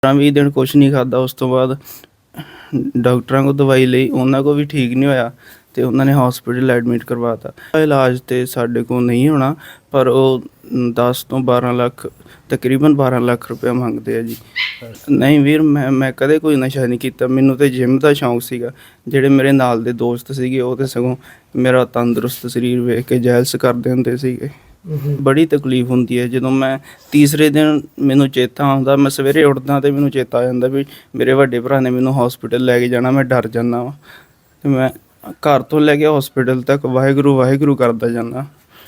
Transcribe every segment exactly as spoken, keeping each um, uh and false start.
पंद्रह बीस दिन कुछ नहीं खादा। उस तो बाद डॉक्टरां को दवाई ਲਈ ਉਹਨਾਂ को भी ठीक नहीं होया तो उन्होंने हॉस्पिटल एडमिट करवाता। इलाज तो साढ़े को नहीं होना पर वो दस तो बारह लाख तकरीबन बारह लाख रुपया मंगते हैं जी। नहीं वीर मैं मैं कदे कोई नशा नहीं किया। मैनू तो जिम का शौक सीगा। ਜਿਹੜੇ ਮੇਰੇ ਨਾਲ ਦੇ ਦੋਸਤ ਸੀਗੇ ਉਹ ਤੇ ਸਗੋਂ ਮੇਰਾ ਤੰਦਰੁਸਤ ਸਰੀਰ ਵੇਖ ਕੇ ਜੈਲਸ ਕਰਦੇ ਹੁੰਦੇ ਸੀਗੇ। ਬੜੀ ਤਕਲੀਫ ਹੁੰਦੀ ਹੈ ਜਦੋਂ ਮੈਂ ਤੀਸਰੇ ਦਿਨ ਮੈਨੂੰ ਚੇਤਾ ਆਉਂਦਾ। ਮੈਂ ਸਵੇਰੇ ਉੱਠਦਾ ਤੇ ਮੈਨੂੰ ਚੇਤਾ ਆ ਜਾਂਦਾ ਵੀ ਮੇਰੇ ਵੱਡੇ ਭਰਾ ਨੇ ਮੈਨੂੰ ਹਸਪੀਟਲ ਲੈ ਕੇ ਜਾਣਾ। ਮੈਂ ਡਰ ਜਾਂਦਾ ਵਾ ਤੇ ਮੈਂ ਘਰ ਤੋਂ ਲੈ ਕੇ ਹਸਪੀਟਲ ਤੱਕ ਵਾਹਿਗੁਰੂ ਵਾਹਿਗੁਰੂ ਕਰਦਾ ਜਾਂਦਾ।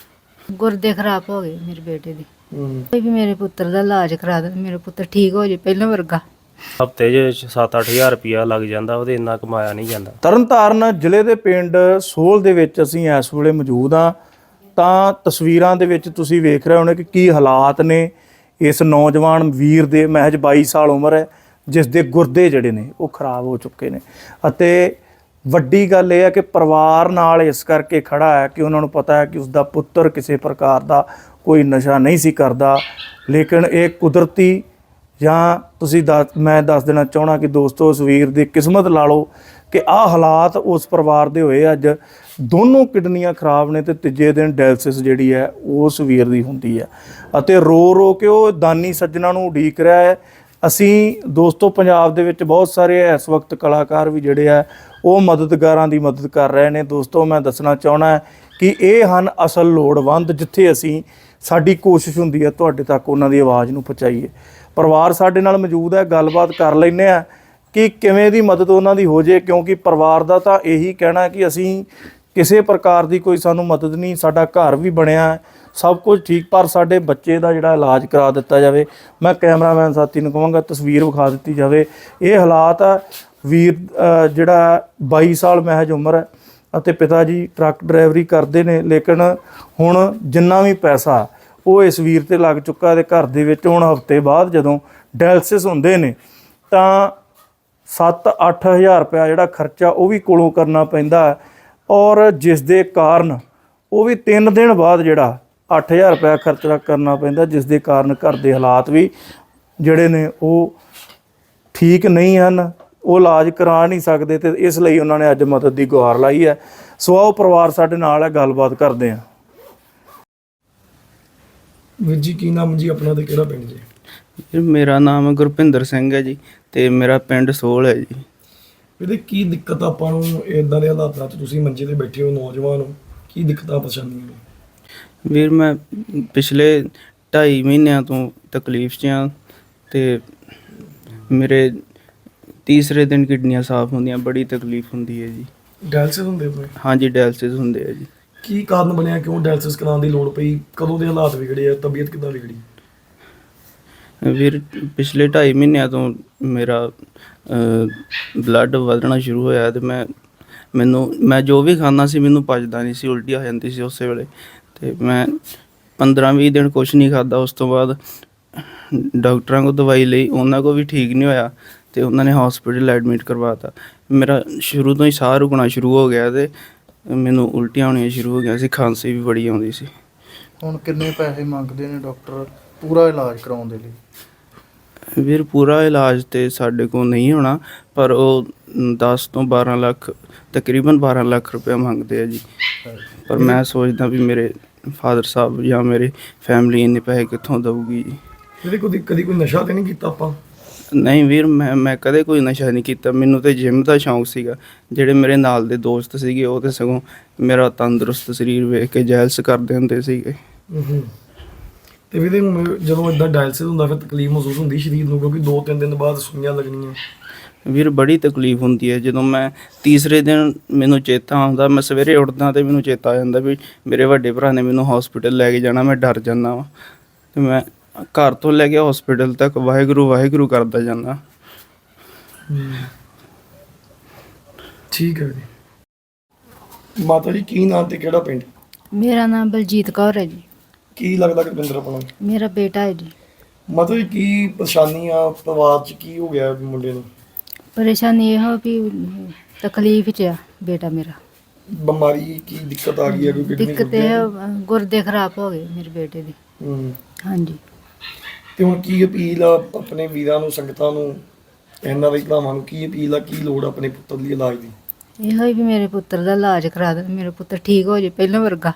ਗੁਰਦੇ ਖਰਾਬ ਹੋ ਗਏ ਮੇਰੇ ਬੇਟੇ ਦੇ। ਕੋਈ ਵੀ ਮੇਰੇ ਪੁੱਤਰ ਦਾ ਇਲਾਜ ਕਰਾ ਦੇ, ਮੇਰਾ ਪੁੱਤਰ ਠੀਕ ਹੋ ਜੇ ਪਹਿਲਾਂ ਵਰਗਾ। ਹਫ਼ਤੇ 'ਚ ਸੱਤ ਅੱਠ ਹਜ਼ਾਰ ਰੁਪਈਆ ਲੱਗ ਜਾਂਦਾ, ਉਹਦੇ ਇੰਨਾ ਕਮਾਇਆ ਨਹੀਂ ਜਾਂਦਾ। ਤਰਨਤਾਰਨ ਜ਼ਿਲ੍ਹੇ ਦੇ ਪਿੰਡ ਸੋਹਲ ਦੇ ਵਿੱਚ ਅਸੀਂ ਇਸ ਵੇਲੇ ਮੌਜੂਦ ਹਾਂ। ਤਾਂ ਤਸਵੀਰਾਂ ਦੇ ਵਿੱਚ ਤੁਸੀਂ ਵੇਖ ਰਹੇ ਹੋਣੇ ਕਿ ਕੀ ਹਾਲਾਤ ਨੇ ਇਸ ਨੌਜਵਾਨ ਵੀਰ ਦੇ। ਮਹਿਜ ਬਾਈ ਸਾਲ ਉਮਰ ਹੈ ਜਿਸ ਦੇ ਗੁਰਦੇ ਜਿਹੜੇ ਨੇ ਉਹ ਖਰਾਬ ਹੋ ਚੁੱਕੇ ਨੇ। ਅਤੇ ਵੱਡੀ ਗੱਲ ਇਹ ਹੈ ਕਿ ਪਰਿਵਾਰ ਨਾਲ ਇਸ ਕਰਕੇ ਖੜਾ ਹੈ ਕਿ ਉਹਨਾਂ ਨੂੰ ਪਤਾ ਹੈ ਕਿ ਉਸਦਾ ਪੁੱਤਰ ਕਿਸੇ ਪ੍ਰਕਾਰ ਦਾ ਕੋਈ ਨਸ਼ਾ ਨਹੀਂ ਸੀ ਕਰਦਾ। ਲੇਕਿਨ ਇਹ ਕੁਦਰਤੀ ਜਾਂ ਤੁਸੀਂ ਦੱਸ ਮੈਂ ਦੱਸ ਦੇਣਾ ਚਾਹੁੰਦਾ ਕਿ ਦੋਸਤੋ ਉਸ ਵੀਰ ਦੀ ਕਿਸਮਤ ਲਾ ਲਓ ਕਿ ਆਹ ਹਾਲਾਤ ਉਸ ਪਰਿਵਾਰ ਦੇ ਹੋਏ। ਅੱਜ ਦੋਨੋਂ ਕਿਡਨੀਆਂ ਖਰਾਬ ਨੇ ਤੇ ਤੀਜੇ ਦਿਨ ਡਾਇਲਸਿਸ ਜਿਹੜੀ ਹੈ ਉਸ ਵੀਰ ਦੀ ਹੁੰਦੀ ਹੈ ਅਤੇ ਰੋ ਰੋ ਕੇ ਉਹ ਦਾਨੀ ਸੱਜਣਾ ਨੂੰ ਉਡੀਕ ਰਿਹਾ ਹੈ। ਅਸੀਂ ਦੋਸਤੋ ਪੰਜਾਬ ਦੇ ਵਿੱਚ ਬਹੁਤ ਸਾਰੇ ਇਸ ਵਕਤ ਕਲਾਕਾਰ ਵੀ ਜਿਹੜੇ ਆ ਉਹ ਮਦਦਗਾਰਾਂ ਦੀ ਮਦਦ ਕਰ ਰਹੇ ਨੇ। ਦੋਸਤੋ ਮੈਂ ਦੱਸਣਾ ਚਾਹੁੰਦਾ ਕਿ ਇਹ ਹਨ ਅਸਲ ਲੋੜਵੰਦ ਜਿੱਥੇ ਅਸੀਂ ਸਾਡੀ ਕੋਸ਼ਿਸ਼ ਹੁੰਦੀ ਹੈ ਤੁਹਾਡੇ ਤੱਕ ਉਹਨਾਂ ਦੀ ਆਵਾਜ਼ ਨੂੰ ਪਹੁੰਚਾਈਏ। ਪਰਿਵਾਰ ਸਾਡੇ ਨਾਲ ਮੌਜੂਦ ਹੈ, ਗੱਲਬਾਤ ਕਰ ਲੈਂਦੇ ਹਾਂ ਕਿ ਕਿਵੇਂ ਦੀ ਮਦਦ ਉਹਨਾਂ ਦੀ ਹੋ ਜੇ। ਕਿਉਂਕਿ ਪਰਿਵਾਰ ਦਾ ਤਾਂ ਇਹੀ ਕਹਿਣਾ ਕਿ ਅਸੀਂ ਕਿਸੇ ਪ੍ਰਕਾਰ ਦੀ ਕੋਈ ਸਾਨੂੰ ਮਦਦ ਨਹੀਂ, ਸਾਡਾ ਘਰ ਵੀ ਬਣਿਆ ਸਭ ਕੁਝ ਠੀਕ, ਪਰ ਸਾਡੇ ਬੱਚੇ ਦਾ ਜਿਹੜਾ ਇਲਾਜ ਕਰਾ ਦਿੱਤਾ ਜਾਵੇ। ਮੈਂ ਕੈਮਰਾਮੈਨ ਸਾਥੀ ਨੂੰ ਕਹਾਂਗਾ ਤਸਵੀਰ ਵਿਖਾ ਦਿੱਤੀ ਜਾਵੇ। ਇਹ ਹਾਲਾਤ ਆ ਵੀਰ ਜਿਹੜਾ ਬਾਈ ਸਾਲ ਮਹਿਜ ਉਮਰ ਹੈ ਅਤੇ ਪਿਤਾ ਜੀ ਟਰੱਕ ਡਰਾਈਵਰੀ ਕਰਦੇ ਨੇ। ਲੇਕਿਨ ਹੁਣ ਜਿੰਨਾ ਵੀ ਪੈਸਾ ਉਹ ਇਸ ਵੀਰ 'ਤੇ ਲੱਗ ਚੁੱਕਾ ਤੇ ਘਰ ਦੇ ਵਿੱਚ ਹੁਣ ਹਫ਼ਤੇ ਬਾਅਦ ਜਦੋਂ ਡਾਇਲਸਿਸ ਹੁੰਦੇ ਨੇ ਤਾਂ ਸੱਤ ਅੱਠ ਹਜ਼ਾਰ ਰੁਪਇਆ ਜਿਹੜਾ ਖਰਚਾ ਉਹ ਵੀ ਕੋਲੋਂ ਕਰਨਾ ਪੈਂਦਾ। ਔਰ ਜਿਸ ਦੇ ਕਾਰਨ ਉਹ ਵੀ ਤਿੰਨ ਦਿਨ ਬਾਅਦ ਜਿਹੜਾ ਅੱਠ ਹਜ਼ਾਰ ਰੁਪਇਆ ਖਰਚਾ ਕਰਨਾ ਪੈਂਦਾ, ਜਿਸ ਦੇ ਕਾਰਨ ਘਰ ਦੇ ਹਾਲਾਤ ਵੀ ਜਿਹੜੇ ਨੇ ਉਹ ਠੀਕ ਨਹੀਂ ਹਨ, ਉਹ ਇਲਾਜ ਕਰਾ ਨਹੀਂ ਸਕਦੇ। ਅਤੇ ਇਸ ਲਈ ਉਹਨਾਂ ਨੇ ਅੱਜ ਮਦਦ ਦੀ ਗੁਹਾਰ ਲਾਈ ਹੈ। ਸੋ ਆਓ ਪਰਿਵਾਰ ਸਾਡੇ ਨਾਲ ਹੈ, ਗੱਲਬਾਤ ਕਰਦੇ ਹਾਂ। ਵੀਰ ਜੀ ਕੀ ਨਾਮ ਜੀ ਆਪਣਾ ਤੇ ਕਿਹੜਾ ਪਿੰਡ ਜੀ? ਮੇਰਾ ਨਾਮ ਗੁਰਪਿੰਦਰ ਸਿੰਘ ਹੈ ਜੀ ਤੇ ਮੇਰਾ ਪਿੰਡ ਸੋਹਲ ਹੈ ਜੀ। ਇਹਦੇ ਕੀ ਦਿੱਕਤ ਆਪਾਂ ਨੂੰ ਇਦਾਂ ਦੇ ਹਾਲਾਤਾਂ 'ਚ ਤੁਸੀਂ ਮੰਜੇ ਤੇ ਬੈਠੇ ਹੋ, ਨੌਜਵਾਨ ਹੋ, ਕੀ ਦਿੱਕਤਾਂ ਪਰੇਸ਼ਾਨੀਆਂ ਨੇ? ਵੀਰ ਮੈਂ ਪਿਛਲੇ ਢਾਈ ਮਹੀਨਿਆਂ ਤੋਂ ਤਕਲੀਫ 'ਚ ਹਾਂ ਤੇ ਮੇਰੇ ਤੀਸਰੇ ਦਿਨ ਕਿਡਨੀਆਂ ਸਾਫ਼ ਹੁੰਦੀਆਂ। ਬੜੀ ਤਕਲੀਫ ਹੁੰਦੀ ਹੈ ਜੀ। ਡਾਇਲਸਿਸ ਹੁੰਦੇ ਪਏ? ਹਾਂਜੀ ਡਾਇਲਸਿਸ ਹੁੰਦੇ ਆ ਜੀ। ਕੀ ਕਾਰਨ ਬਣਿਆ, ਕਿਉਂ ਡਾਇਲਸਿਸ ਕਰਾਉਣ ਦੀ ਲੋੜ ਪਈ? ਕਦੋਂ ਦੇ ਹਾਲਾਤ ਵਿਗੜੇ ਆ, ਤਬੀਅਤ ਕਿੱਦਾਂ ਵਿਗੜੀ? ਵੀਰ ਪਿਛਲੇ ਢਾਈ ਮਹੀਨਿਆਂ ਤੋਂ ਮੇਰਾ ਬਲੱਡ ਵਧਣਾ ਸ਼ੁਰੂ ਹੋਇਆ ਤੇ ਮੈਂ ਮੈਨੂੰ ਮੈਂ ਜੋ ਵੀ ਖਾਂਦਾ ਸੀ ਮੈਨੂੰ ਪਚਦਾ ਨਹੀਂ ਸੀ, ਉਲਟੀ ਆ ਜਾਂਦੀ ਸੀ ਉਸੇ ਵੇਲੇ। ਅਤੇ ਮੈਂ ਪੰਦਰਾਂ ਵੀਹ ਦਿਨ ਕੁਛ ਨਹੀਂ ਖਾਦਾ। ਉਸ ਤੋਂ ਬਾਅਦ ਡਾਕਟਰਾਂ ਕੋਲ ਦਵਾਈ ਲਈ ਉਹਨਾਂ ਕੋਲ ਵੀ ਠੀਕ ਨਹੀਂ ਹੋਇਆ ਅਤੇ ਉਹਨਾਂ ਨੇ ਹੌਸਪੀਟਲ ਐਡਮਿਟ ਕਰਵਾਤਾ। ਮੇਰਾ ਸ਼ੁਰੂ ਤੋਂ ਹੀ ਸਾਹ ਰੁਕਣਾ ਸ਼ੁਰੂ ਹੋ ਗਿਆ ਅਤੇ ਮੈਨੂੰ ਉਲਟੀਆਂ ਹੋਣੀਆਂ ਸ਼ੁਰੂ ਹੋ ਗਈਆਂ ਸੀ, ਖਾਂਸੀ ਵੀ ਬੜੀ ਆਉਂਦੀ ਸੀ। ਹੁਣ ਕਿੰਨੇ ਪੈਸੇ ਮੰਗਦੇ ਨੇ ਡਾਕਟਰ ਪੂਰਾ ਇਲਾਜ ਕਰਾਉਣ ਦੇ ਲਈ? ਵੀਰ ਪੂਰਾ ਇਲਾਜ ਤਾਂ ਸਾਡੇ ਕੋਲ ਨਹੀਂ ਹੋਣਾ ਪਰ ਉਹ ਦਸ ਤੋਂ ਬਾਰ੍ਹਾਂ ਲੱਖ ਤਕਰੀਬਨ ਬਾਰ੍ਹਾਂ ਲੱਖ ਰੁਪਇਆ ਮੰਗਦੇ ਆ ਜੀ। ਪਰ ਮੈਂ ਸੋਚਦਾ ਵੀ ਮੇਰੇ ਫਾਦਰ ਸਾਹਿਬ ਜਾਂ ਮੇਰੀ ਫੈਮਿਲੀ ਇੰਨੇ ਪੈਸੇ ਕਿੱਥੋਂ ਦੇਊਗੀ ਜੀ। ਇਹਦੇ ਕਦੀ ਕਦੀ ਕੋਈ ਨਸ਼ਾ ਤਾਂ ਨਹੀਂ ਕੀਤਾ ਆਪਾਂ? ਨਹੀਂ ਵੀਰ ਮੈਂ ਮੈਂ ਕਦੇ ਕੋਈ ਨਸ਼ਾ ਨਹੀਂ ਕੀਤਾ। ਮੈਨੂੰ ਤਾਂ ਜਿਮ ਦਾ ਸ਼ੌਕ ਸੀਗਾ। ਜਿਹੜੇ ਮੇਰੇ ਨਾਲ ਦੇ ਦੋਸਤ ਸੀਗੇ ਉਹ ਤਾਂ ਸਗੋਂ ਮੇਰਾ ਤੰਦਰੁਸਤ ਸਰੀਰ ਵੇਖ ਕੇ ਜੈਲਸ ਕਰਦੇ ਹੁੰਦੇ ਸੀਗੇ। ਅਤੇ ਵੀਰੇ ਹੁਣ ਜਦੋਂ ਇੱਦਾਂ ਡਾਇਲਸਿਸ ਹੁੰਦਾ ਫਿਰ ਤਕਲੀਫ ਮਹਿਸੂਸ ਹੁੰਦੀ ਸਰੀਰ ਨੂੰ, ਕਿਉਂਕਿ ਦੋ ਤਿੰਨ ਦਿਨ ਬਾਅਦ ਸੂਈਆਂ ਲੱਗਣੀਆਂ? ਵੀਰ ਬੜੀ ਤਕਲੀਫ ਹੁੰਦੀ ਹੈ ਜਦੋਂ ਮੈਂ ਤੀਸਰੇ ਦਿਨ ਮੈਨੂੰ ਚੇਤਾ ਆਉਂਦਾ। ਮੈਂ ਸਵੇਰੇ ਉੱਠਦਾ ਅਤੇ ਮੈਨੂੰ ਚੇਤਾ ਆ ਜਾਂਦਾ ਵੀ ਮੇਰੇ ਵੱਡੇ ਭਰਾ ਨੇ ਮੈਨੂੰ ਹਸਪੀਟਲ ਲੈ ਕੇ ਜਾਣਾ। ਮੈਂ ਡਰ ਜਾਂਦਾ ਵਾ ਅਤੇ ਮੈਂ ਘਰ ਤੋਂ ਲੈ ਕੇ ਹਸਪੀਟਲ ਤੱਕ ਵਾਹਿਗੁਰੂ ਵਾਹਿਗੁਰੂ ਕਰਦਾ ਜਾਂਦਾ। ਠੀਕ ਹੈ ਜੀ। ਮਾਤਾ ਜੀ ਕੀ ਨਾਮ ਤੇ ਕਿਹੜਾ ਪਿੰਡ? ਮੇਰਾ ਨਾਮ ਬਲਜੀਤ ਕੌਰ ਹੈ ਜੀ। ਕੀ ਲੱਗਦਾ ਗੁਰਪਿੰਦਰ ਆਪਣਾ? ਮੇਰਾ ਬੇਟਾ ਹੈ ਜੀ। ਮਾਤਾ ਜੀ ਕੀ ਪਰੇਸ਼ਾਨੀ ਆ ਪਰਿਵਾਰ 'ਚ, ਕੀ ਹੋ ਗਿਆ ਮੁੰਡੇ ਨੂੰ? ਪਰੇਸ਼ਾਨੀ ਇਹ ਹੋ ਵੀ ਤਕਲੀਫ 'ਚ ਆ ਬੇਟਾ ਮੇਰਾ। ਬਿਮਾਰੀ ਕੀ ਦਿੱਕਤ ਆ ਗਈ ਹੈ? ਕੋਈ ਕਿਡਨੀ ਦਿੱਕਤ ਇਹ ਗੁਰਦੇ ਖਰਾਬ ਹੋ ਗਏ ਮੇਰੇ ਬੇਟੇ ਦੇ। ਹੂੰ ਹਾਂਜੀ ਤੇ ਹੁਣ ਕੀ ਅਪੀਲ ਆ ਆਪਣੇ ਵੀਰਾਂ ਨੂੰ, ਸੰਗਤਾਂ ਨੂੰ, ਇਹਨਾਂ ਦੇ ਭਰਾਵਾਂ ਨੂੰ ਕੀ ਅਪੀਲ ਆ, ਕੀ ਲੋੜ ਆ ਆਪਣੇ ਪੁੱਤਰ ਲਈ ਇਲਾਜ ਦੀ? ਇਹੋ ਹੀ ਵੀ ਮੇਰੇ ਪੁੱਤਰ ਦਾ ਇਲਾਜ ਕਰਾ ਦੇ, ਮੇਰਾ ਪੁੱਤਰ ਠੀਕ ਹੋ ਜੇ ਪਹਿਲਾਂ ਵਰਗਾ।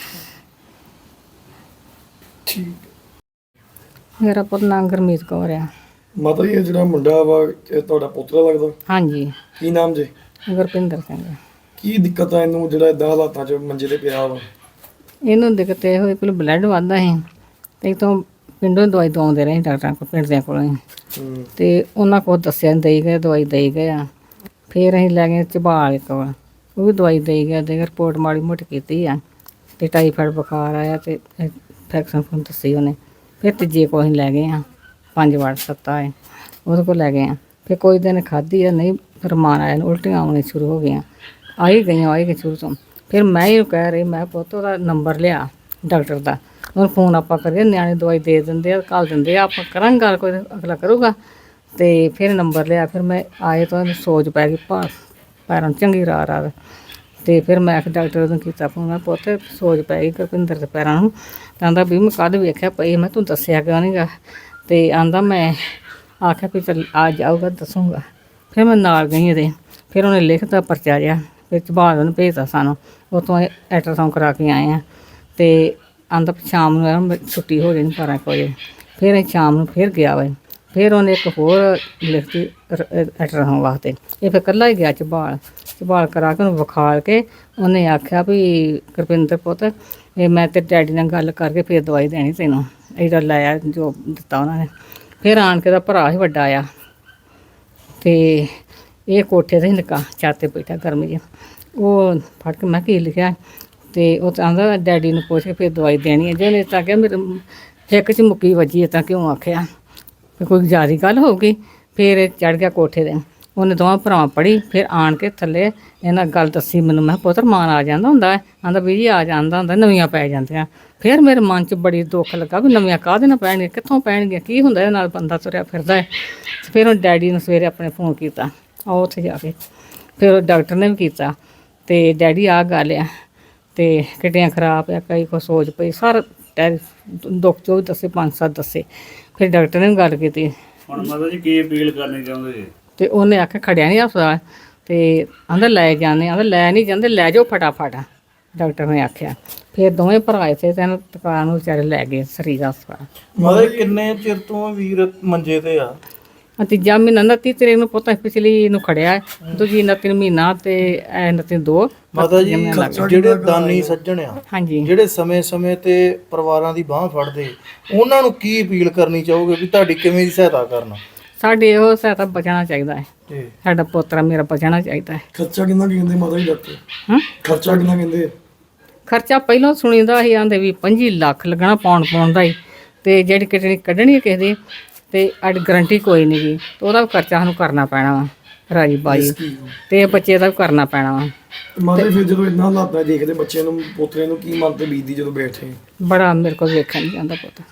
ਠੀਕ। ਮੇਰਾ ਪੁੱਤ ਨਾਂ ਗੁਰਮੀਤ ਕੌਰ ਆ। ਮਾਤਾ ਜੀ ਇਹ ਜਿਹੜਾ ਮੁੰਡਾ ਵਾ ਇਹ ਤੁਹਾਡਾ ਪੁੱਤਰ ਲੱਗਦਾ? ਹਾਂਜੀ, ਕੀ ਨਾਮ ਜੇ? ਗੁਰਪਿੰਦਰ ਸਿੰਘ। ਕੀ ਦਿੱਕਤ ਆ ਇਹਨੂੰ ਜਿਹੜਾ ਇਦਾਂ ਹਾਲਾਤਾਂ 'ਚ ਮੰਜੇ ਤੇ ਪਿਆ ਵਾ? ਇਹਨੂੰ ਦਿੱਕਤ ਇਹ ਹੋਈ ਪਹਿਲਾਂ ਬਲੱਡ ਵੱਧਦਾ ਸੀ ਤੇ ਇੱਥੋਂ ਪਿੰਡੋਂ ਦਵਾਈ ਦਵਾਉਂਦੇ ਰਹੇ ਡਾਕਟਰਾਂ ਕੋਲ, ਪਿੰਡ ਦਿਆਂ ਕੋਲੋਂ ਹੀ। ਹੂੰ। ਤੇ ਉਹਨਾਂ ਕੋਲ ਦੱਸਿਆ ਦੇਈ ਗਏ, ਦਵਾਈ ਦੇਈ ਗਏ ਆ। ਫਿਰ ਅਸੀਂ ਲੈ ਗਏ ਝਬਾਲ ਕੋਲ, ਉਹ ਵੀ ਦਵਾਈ ਦੇਈ ਗਿਆ, ਦੇ ਰਿਪੋਰਟ ਮਾੜੀ ਮੋਟੀ ਕੀਤੀ ਆ ਤੇ ਟਾਈਫਾਇਡ ਬੁਖਾਰ ਆਇਆ ਤੇ ਇਨਫੈਕਸ਼ਨ ਫੋਨ ਦੱਸੀ ਉਹਨੇ। ਫਿਰ ਤੀਜੇ ਕੋਲ ਅਸੀਂ ਲੈ ਗਏ ਆ, ਪੰਜ ਵਾਰ ਸੱਤਾ ਹੈ, ਉਹਦੇ ਕੋਲ ਲੈ ਗਏ ਆ। ਫਿਰ ਕੋਈ ਦਿਨ ਖਾਧੀ ਆ, ਨਹੀਂ ਫਿਰ ਮਾਨ ਆਇਆ, ਉਲਟੀਆਂ ਆਉਣੀਆਂ ਸ਼ੁਰੂ ਹੋ ਗਈਆਂ, ਆਈ ਗਈਆਂ ਆਈ ਗਈ ਸ਼ੁਰੂ ਤੋਂ। ਫਿਰ ਮੈਂ ਹੀ ਕਹਿ ਰਹੀ, ਮੈਂ ਪੁੱਤ ਉਹਦਾ ਨੰਬਰ ਲਿਆ ਡਾਕਟਰ ਦਾ, ਉਹਨੂੰ ਫੋਨ ਆਪਾਂ ਕਰੀਏ, ਨਿਆਣੇ ਦਵਾਈ ਦੇ ਦਿੰਦੇ ਆ, ਘੱਲ ਦਿੰਦੇ ਆ, ਆਪਾਂ ਕਰਾਂਗੇ ਗੱਲ, ਕੋਈ ਅਗਲਾ ਕਰੂਗਾ। ਤੇ ਫਿਰ ਨੰਬਰ ਲਿਆ, ਫਿਰ ਮੈਂ ਆਏ ਤਾਂ ਉਹਨੂੰ ਸੋਜ ਪੈ ਗਈ, ਭਾ ਪੈਰਾਂ ਨੂੰ ਚੰਗੀ ਰਾਤ ਰਾਤ। ਤੇ ਫਿਰ ਮੈਂ ਆਖ ਡਾਕਟਰ ਨੂੰ ਕੀਤਾ ਫੋਨ, ਮੈਂ ਪੁੱਤ ਸੋਜ ਪੈ ਗਈ ਗੁਰਪਿੰਦਰ ਦੇ ਪੈਰਾਂ ਨੂੰ। ਤਾਂ ਆਂਦਾ ਵੀ ਮੈਂ ਕਦ ਵੇਖਿਆ ਪਈ, ਮੈਂ ਤੂੰ ਦੱਸਿਆ ਕਿਉਂ ਨਹੀਂ ਗਾ? ਤੇ ਆਂਦਾ ਮੈਂ ਆਖਿਆ ਵੀ ਚੱਲ ਆ ਜਾਊਗਾ ਦੱਸੂਗਾ। ਫਿਰ ਮੈਂ ਨਾਲ ਗਈ ਇਹਦੇ, ਫਿਰ ਉਹਨੇ ਲਿਖਤਾ ਪਰਚਾ ਜਿਹਾ, ਫਿਰ ਝਬਾਲ ਉਹਨੂੰ ਭੇਜਤਾ ਸਾਨੂੰ, ਉੱਥੋਂ ਅਲਟਰਾਸਾਊਂਡ ਕਰਾ ਕੇ ਆਏ ਆ। ਤੇ ਆਂਦਾ ਸ਼ਾਮ ਨੂੰ ਛੁੱਟੀ ਹੋ ਜਾਣੀ ਬਾਰਾਂ ਕੁ ਵਜੇ। ਫਿਰ ਅਸੀਂ ਸ਼ਾਮ ਨੂੰ ਫਿਰ ਗਿਆ ਵਾ, ਫਿਰ ਉਹਨੇ ਇੱਕ ਹੋਰ ਲਿਖਤੀ ਅਲਟਰਾਸਾਊਂਡ ਵਾਸਤੇ। ਇਹ ਫਿਰ ਇਕੱਲਾ ਹੀ ਗਿਆ ਝਬਾਲ, ਝਬਾਲ ਕਰਾ ਕੇ ਉਹਨੂੰ ਵਿਖਾਲ ਕੇ ਉਹਨੇ ਆਖਿਆ ਵੀ ਗੁਰਪਿੰਦਰ ਪੁੱਤ ਇਹ ਮੈਂ ਤੇ ਡੈਡੀ ਨਾਲ ਗੱਲ ਕਰਕੇ ਫਿਰ ਦਵਾਈ ਦੇਣੀ ਤੈਨੂੰ, ਇਹਦਾ ਲਾਇਆ ਜੋ ਦਿੱਤਾ ਉਹਨਾਂ ਨੇ। ਫਿਰ ਆਣ ਕੇ ਦਾ ਭਰਾ ਹੀ ਵੱਡਾ ਆ ਤੇ ਇਹ ਕੋਠੇ 'ਤੇ ਹੀ ਨਿੱਕਾ ਛੱਤ 'ਤੇ ਬੈਠਾ ਗਰਮੀ 'ਚ, ਉਹ ਫੜ ਕੇ ਮੈਂ ਕੀ ਲਿਖਿਆ ਤੇ ਉਹ ਤਾਂ ਆਂਦਾ ਡੈਡੀ ਨੂੰ ਪੁੱਛ ਕੇ ਫਿਰ ਦਵਾਈ ਦੇਣੀ ਹੈ। ਜੇ ਉਹਨੇ ਤਾਂ ਕਿਹਾ ਮੇਰੇ ਹਿੱਕ 'ਚ ਮੁੱਕੀ ਵੱਜੀ ਹੈ ਤਾਂ ਕਿਉਂ ਆਖਿਆ ਵੀ ਕੋਈ ਜ਼ਿਆਦਾ ਗੱਲ ਹੋਊਗੀ। ਫਿਰ ਚੜ੍ਹ ਗਿਆ ਕੋਠੇ 'ਤੇ, ਉਹਨੇ ਦੋਵਾਂ ਭਰਾਵਾਂ ਪੜ੍ਹੀ। ਫਿਰ ਆਣ ਕੇ ਥੱਲੇ ਇਹਨਾਂ ਗੱਲ ਦੱਸੀ ਮੈਨੂੰ, ਮੈਂ ਪੁੱਤਰ ਮਾਨ ਆ ਜਾਂਦਾ ਹੁੰਦਾ, ਆਂਦਾ ਵੀ ਜੀ ਆ ਜਾਂਦਾ ਹੁੰਦਾ, ਨਵੀਆਂ ਪੈ ਜਾਂਦੀਆਂ। ਫਿਰ ਮੇਰੇ ਮਨ 'ਚ ਬੜੀ ਦੁੱਖ ਲੱਗਾ ਵੀ ਨਵੀਆਂ ਕਾਹਦੇ ਨਾਲ ਪੈਣਗੀਆਂ, ਕਿੱਥੋਂ ਪੈਣਗੀਆਂ, ਕੀ ਹੁੰਦਾ ਇਹਦੇ ਨਾਲ ਬੰਦਾ ਤੁਰਿਆ ਫਿਰਦਾ ਹੈ। ਫਿਰ ਉਹ ਡੈਡੀ ਨੂੰ ਸਵੇਰੇ ਆਪਣੇ ਫੋਨ ਕੀਤਾ, ਆਓ ਉੱਥੇ ਜਾ ਕੇ। ਫਿਰ ਉਹ ਡਾਕਟਰ ਨੇ ਵੀ ਕੀਤਾ ਤੇ ਡੈਡੀ ਆ ਗੱਲ ਆ ਤੇ ਕਿਡਨੀਆਂ ਖਰਾਬ ਆ, ਕਈ ਕੋ ਸੋਚ ਪਈ, ਸਾਰਾ ਟੈ ਦੁੱਖ ਜੋ ਵੀ ਦੱਸੇ, ਪੰਜ ਸੱਤ ਦੱਸੇ। ਫਿਰ ਡਾਕਟਰ ਨੇ ਵੀ ਗੱਲ ਕੀਤੀ। ਹੁਣ ਮਾਤਾ ਜੀ ਕੀ ਅਪੀਲ ਕਰਨੀ ਚਾਹੁੰਦੇ ਜੀ? ਤੇ ਉਹਨੇ ਆਖਿਆ ਖੜਿਆ ਨਹੀਂ ਹਸਪਤਾਲ ਤੇ ਆਂਦਾ ਲੈ ਜਾਂਦੇ, ਆਂਦਾ ਲੈ ਨਹੀਂ ਜਾਂਦੇ, ਲੈ ਜਾਓ ਫਟਾਫਟ, ਡਾਕਟਰ ਨੇ ਆਖਿਆ। ਫਿਰ ਦੋਵੇਂ ਭਰਾ ਇੱਥੇ ਤੈਨੂੰ ਦੁਕਾਨ ਨੂੰ ਵਿਚਾਰੇ ਲੈ ਗਏ ਸਰੀਰ ਹਸਪਤਾਲ। ਮਤਲਬ ਕਿੰਨੇ ਚਿਰ ਤੋਂ ਵੀਰ ਮੰਜੇ ਤੇ ਆ? ਤੀਜਾ ਮਹੀਨਾ ਉਨੱਤੀ ਤਰੀਕ ਨੂੰ ਪੁੱਤ ਪਿਛਲੀ ਨੂੰ ਖੜਿਆ, ਦੂਜੀ ਉਨੱਤੀ ਨੂੰ ਮਹੀਨਾ ਤੇ ਇਹ ਉਨੱਤੀ ਨੂੰ ਦੋ। ਮਾਤਾ ਜੀ ਜਿਹੜੇ ਦਾਨੀ ਸੱਜਣ ਆ, ਹਾਂਜੀ, ਜਿਹੜੇ ਸਮੇਂ-ਸਮੇਂ ਤੇ ਪਰਿਵਾਰਾਂ ਦੀ ਬਾਹ ਫੜਦੇ, ਉਹਨਾਂ ਨੂੰ ਕੀ ਅਪੀਲ ਕਰਨੀ ਚਾਹੋਗੇ ਵੀ ਤੁਹਾਡੀ ਕਿਵੇਂ ਦੀ ਸਹਾਇਤਾ ਕਰਨਾ? ਸਾਡੇ ਇਹੋ ਸਹਾਇਤਾ ਬਚਣਾ ਚਾਹੀਦਾ ਹੈ, ਜੀ ਸਾਡਾ ਪੋਤਰਾ ਮੇਰਾ ਬਚਣਾ ਚਾਹੀਦਾ ਹੈ। ਖਰਚਾ ਕਿੰਨਾ ਕੁ ਕਹਿੰਦੇ ਮਾਤਾ ਜੀ ਡਾਕਟਰ? ਹਾਂ, ਖਰਚਾ ਕਿੰਨਾ ਕਹਿੰਦੇ? ਖਰਚਾ ਪਹਿਲਾਂ ਸੁਣੀਦਾ ਸੀ ਆਂਦੇ ਵੀ ਪੰਜੀ ਲੱਖ ਲੱਗਣਾ ਪਾਉਣ ਪਾਉਣ ਦਾ ਹੀ, ਤੇ ਜਿਹੜੀ ਕਿਡਨੀ ਕੱਢਣੀ ਹੈ ਕਿਸੇ ਦੀ ਤੇ ਅੱਜ ਗਰੰਟੀ ਕੋਈ ਨਹੀਂ ਗੀ, ਤੇ ਉਹਦਾ ਵੀ ਖਰਚਾ ਸਾਨੂੰ ਕਰਨਾ ਪੈਣਾ ਵਾ ਰਾਜੀ ਬਾਜੀ, ਤੇ ਬੱਚੇ ਦਾ ਵੀ ਕਰਨਾ ਪੈਣਾ ਵਾ। ਮਾਤਾ ਜੀ ਫਿਰ ਜਦੋਂ ਇੰਨਾ ਹਾਲਾਤਾਂ ਦੇਖਦੇ ਬੱਚੇ ਨੂੰ, ਪੋਤਰੇ ਨੂੰ, ਕੀ ਮਨ ਤੇ ਬੀਤਦੀ ਜਦੋਂ ਬੈਠੇ? ਬੜਾ ਮੇਰੇ ਕੋਲ ਵੇਖਣ ਨਹੀਂ ਜਾਂਦਾ ਪੁੱਤ।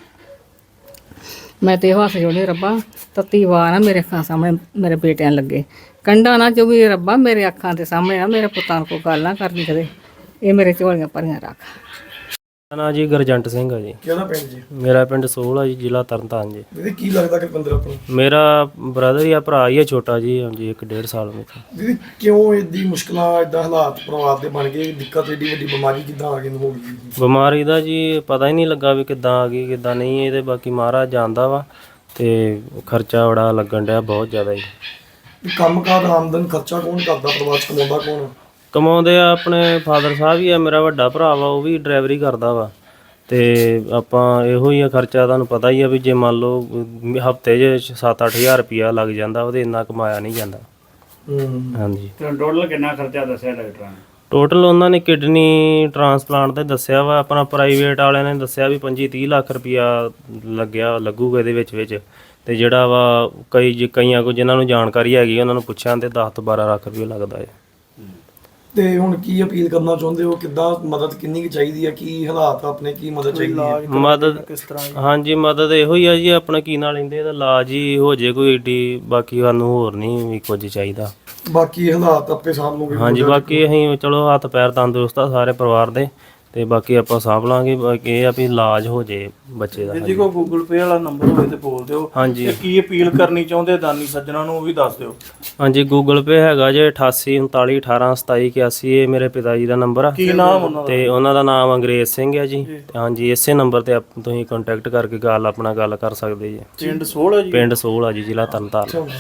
ਮੈਂ ਤੇ ਇਹੋ ਹੱਥ ਜੋੜੇ, ਰੱਬਾ ਤੱਤੀ ਵਾਰ ਨਾ ਮੇਰੇ ਅੱਖਾਂ ਸਾਹਮਣੇ ਮੇਰੇ ਬੇਟਿਆਂ ਲੱਗੇ, ਕੰਡਾ ਨਾ ਜੋ ਵੀ ਰੱਬਾ ਮੇਰੇ ਅੱਖਾਂ ਦੇ ਸਾਹਮਣੇ ਨਾ ਮੇਰੇ ਪੁੱਤਾਂ ਨੂੰ ਕੋਈ ਗੱਲ ਨਾ ਕਰਨੀ ਕਦੇ, ਇਹ ਮੇਰੇ ਝੋਲੀਆਂ ਭਰੀਆਂ ਰੱਖ। ਮੇਰਾ ਨਾਂ ਜੀ ਗੁਰਜੰਟ ਸਿੰਘ ਆ ਜੀ। ਕਿਹੜਾ ਪਿੰਡ ਜੀ? ਮੇਰਾ ਪਿੰਡ ਸੋਹਲ ਆ ਜੀ, ਜ਼ਿਲ੍ਹਾ ਤਰਨਤਾਰਨ ਜੀ। ਦੀਦੀ ਕੀ ਲੱਗਦਾ ਕਿ ਬੰਦਰ ਆਪਣਾ? ਮੇਰਾ ਬ੍ਰਦਰ ਹੀ ਆ, ਭਰਾ ਹੀ ਆ ਛੋਟਾ ਜੀ, ਹਾਂਜੀ ਇੱਕ ਡੇਢ ਸਾਲ ਵਿੱਚ। ਦੀਦੀ ਕਿਉਂ ਏਦੀ ਮੁਸ਼ਕਲਾਂ, ਏਦਾਂ ਹਾਲਾਤ ਪਰਿਵਾਰ ਦੇ ਬਣ ਗਏ, ਦਿੱਕਤ ਏਡੀ ਵੱਡੀ ਬਿਮਾਰੀ ਕਿੱਦਾਂ ਆ ਗਈ ਨੂੰ ਹੋ ਗਈ? ਬਿਮਾਰੀ ਦਾ ਜੀ ਪਤਾ ਹੀ ਨਹੀਂ ਲੱਗਾ ਵੀ ਕਿੱਦਾਂ ਆ ਗਈ ਕਿੱਦਾਂ ਨਹੀਂ, ਇਹਦੇ ਬਾਕੀ ਮਹਾਰਾਜ ਜਾਣਦਾ ਵਾ। ਤੇ ਖਰਚਾ ਬੜਾ ਲੱਗਣ ਡਿਆ, ਬਹੁਤ ਜ਼ਿਆਦਾ ਜੀ। ਕੰਮ ਕਾਰ ਆਮਦਨ ਖਰਚਾ ਕੌਣ ਕਰਦਾ ਪਰਿਵਾਰ 'ਚ, ਕਮਾਉਂਦਾ ਕੌਣ? ਕਮਾਉਂਦੇ ਆ ਆਪਣੇ ਫਾਦਰ ਸਾਹਿਬ ਹੀ ਆ, ਮੇਰਾ ਵੱਡਾ ਭਰਾ ਵਾ ਉਹ ਵੀ ਡਰਾਈਵਰੀ ਕਰਦਾ ਵਾ। ਤੇ ਆਪਾਂ ਇਹੋ ਹੀ ਆ ਖਰਚਾ, ਤੁਹਾਨੂੰ ਪਤਾ ਹੀ ਆ ਵੀ ਜੇ ਮੰਨ ਲਓ ਹਫਤੇ 'ਚ ਸੱਤ ਅੱਠ ਹਜ਼ਾਰ ਰੁਪਈਆ ਲੱਗ ਜਾਂਦਾ, ਉਹਦੇ ਇੰਨਾ ਕਮਾਇਆ ਨਹੀਂ ਜਾਂਦਾ। ਹੂੰ। ਹਾਂਜੀ, ਤੇ ਟੋਟਲ ਕਿੰਨਾ ਖਰਚਾ ਦੱਸਿਆ ਡਾਕਟਰਾਂ ਨੇ? ਟੋਟਲ ਉਹਨਾਂ ਨੇ ਕਿਡਨੀ ਟ੍ਰਾਂਸਪਲਾਂਟ ਤੇ ਦੱਸਿਆ ਵਾ, ਆਪਣਾ ਪ੍ਰਾਈਵੇਟ ਵਾਲਿਆਂ ਨੇ ਦੱਸਿਆ ਵੀ ਪੰਜੀ ਤੀਹ ਲੱਖ ਰੁਪਈਆ ਲੱਗਿਆ ਲੱਗੂਗਾ ਇਹਦੇ ਵਿੱਚ ਵਿੱਚ। ਤੇ ਜਿਹੜਾ ਵਾ ਕਈ ਜੇ ਕਈਆਂ ਕੋ ਜਿਨ੍ਹਾਂ ਨੂੰ ਜਾਣਕਾਰੀ ਹੈਗੀ ਉਹਨਾਂ ਨੂੰ ਪੁੱਛਿਆ ਤੇ ਦਸ ਤੋਂ ਬਾਰਾਂ ਲੱਖ ਰੁਪਈਆ ਲੱਗਦਾ ਹੈ। ਤੇ ਹੁਣ ਕੀ ਅਪੀਲ ਕਰਨਾ ਚਾਹੁੰਦੇ ਹੋ, ਕਿੱਦਾਂ ਮਦਦ ਕਿੰਨੀ ਕੁ ਚਾਹੀਦੀ ਹੈ, ਕੀ ਹਾਲਾਤ ਆ ਆਪਣੇ, ਕੀ ਮਦਦ ਚਾਹੀਦੀ ਹੈ? ਮਦਦ ਕਿਸ ਤਰ੍ਹਾਂ? ਹਾਂਜੀ ਮਦਦ ਇਹੋ ਹੀ ਆ ਜੀ, ਆਪਣਾ ਕੀ ਨਾਲ ਲੈਂਦੇ ਇਹਦਾ ਇਲਾਜ ਹੀ ਹੋ ਜੇ ਕੋਈ ਏਡੀ, ਬਾਕੀ ਸਾਨੂੰ ਹੋਰ ਨਹੀਂ ਵੀ ਕੁਝ ਚਾਹੀਦਾ। ਬਾਕੀ ਹਾਲਾਤ ਆਪੇ ਸਾਂਭ ਲਓਗੇ? ਹਾਂਜੀ ਬਾਕੀ ਅਸੀਂ ਚਲੋ ਹੱਥ ਪੈਰ ਤੰਦਰੁਸਤ ਆ ਸਾਰੇ ਪਰਿਵਾਰ ਦੇ, ਤੇ ਬਾਕੀ ਆਪਾਂ ਸਾਂਭ ਲਾਂਗੇ। ਬਾਕੀ ਇਹ ਆ ਵੀ ਇਲਾਜ ਹੋ ਜੇ ਬੱਚੇ ਦਾ। ਜੀ ਕੋ ਗੂਗਲ ਪੇ ਵਾਲਾ ਨੰਬਰ ਹੋਵੇ ਤੇ ਬੋਲ ਦਿਓ। ਹਾਂਜੀ ਤੇ ਕੀ ਅਪੀਲ ਕਰਨੀ ਚਾਹੁੰਦੇ ਦਾਨੀ ਸੱਜਣਾ ਨੂੰ ਉਹ ਵੀ ਦੱਸ ਦਿਓ। ਹਾਂਜੀ ਗੂਗਲ ਪੇ ਹੈਗਾ ਜੇ ਅਠਾਸੀ ਉਨਤਾਲੀ ਅਠਾਰਾਂ ਸਤਾਈ ਇਕਿਆਸੀ, ਇਹ ਮੇਰੇ ਪਿਤਾ ਜੀ ਦਾ ਨੰਬਰ ਆ ਕੀ ਨਾਮ ਉਹਨਾਂ ਦਾ? ਤੇ ਉਹਨਾਂ ਦਾ ਨਾਮ ਅੰਗਰੇਜ਼ ਸਿੰਘ ਹੈ ਜੀ। ਤੇ ਹਾਂਜੀ ਇਸੇ ਨੰਬਰ ਤੇ ਆਪ- ਤੁਸੀਂ ਕੰਟੈਕਟ ਕਰਕੇ ਗੱਲ ਆਪਣਾ ਗੱਲ ਕਰ ਸਕਦੇ ਜੀ। ਪਿੰਡ ਸੋਲ ਹੈ ਜੀ। ਪਿੰਡ ਸੋਲ ਆ ਜੀ, ਜ਼ਿਲ੍ਹਾ ਤਰਨਤਾਰਨ।